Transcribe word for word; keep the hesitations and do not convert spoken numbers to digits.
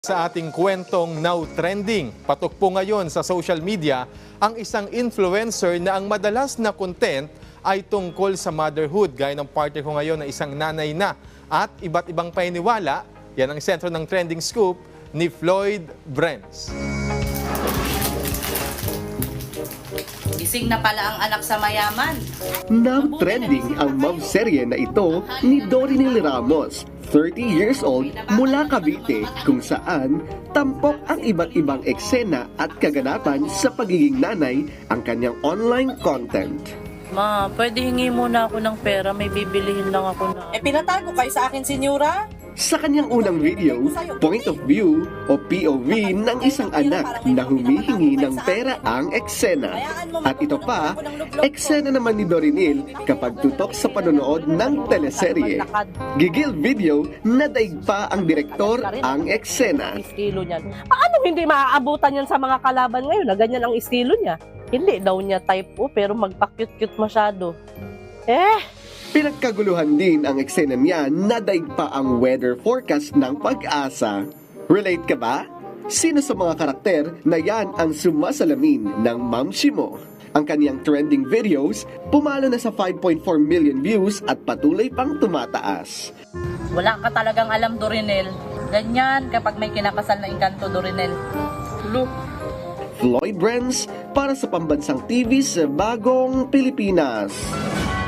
Sa ating kwentong now trending, patok po ngayon sa social media ang isang influencer na ang madalas na content ay tungkol sa motherhood. Gaya ng partner ko ngayon na isang nanay na at iba't ibang paniniwala. Yan ang sentro ng trending scoop ni Floyd Brenz. Gising na pala ang anak sa mayaman. Now trending ang love serye na ito ni Dorinil Ramos, thirty years old, mula Cavite, kung saan tampok ang iba't ibang eksena at kaganapan sa pagiging nanay ang kanyang online content. Ma, pwede hingi muna ako ng pera, may bibilihin lang ako na. Eh, pinatago kayo sa akin, senyora? Sa kanyang unang video, point of view o P O V ng isang anak na humihingi ng pera ang eksena. At ito pa, eksena naman ni Dorinil kapag tutok sa panonood ng teleserye. Gigil video na daig pa ang direktor ang eksena. Estilo niyan. Paano hindi maaabutan yan sa mga kalaban ngayon na ganyan ang estilo niya? Hindi daw niya type O pero magpa-cute-cute masyado. Eh, Pinagkaguluhan din ang eksena niya na daig pa ang weather forecast ng Pag-asa. Relate ka ba? Sino sa mga karakter na yan ang sumasalamin ng Mamshi mo? Ang kaniyang trending videos, pumalo na sa five point four million views at patuloy pang tumataas. Wala ka talagang alam, Dorinel. Ganyan kapag may kinakasal na engkanto, Dorinel. Look. Floyd Brenz para sa Pambansang T V sa Bagong Pilipinas.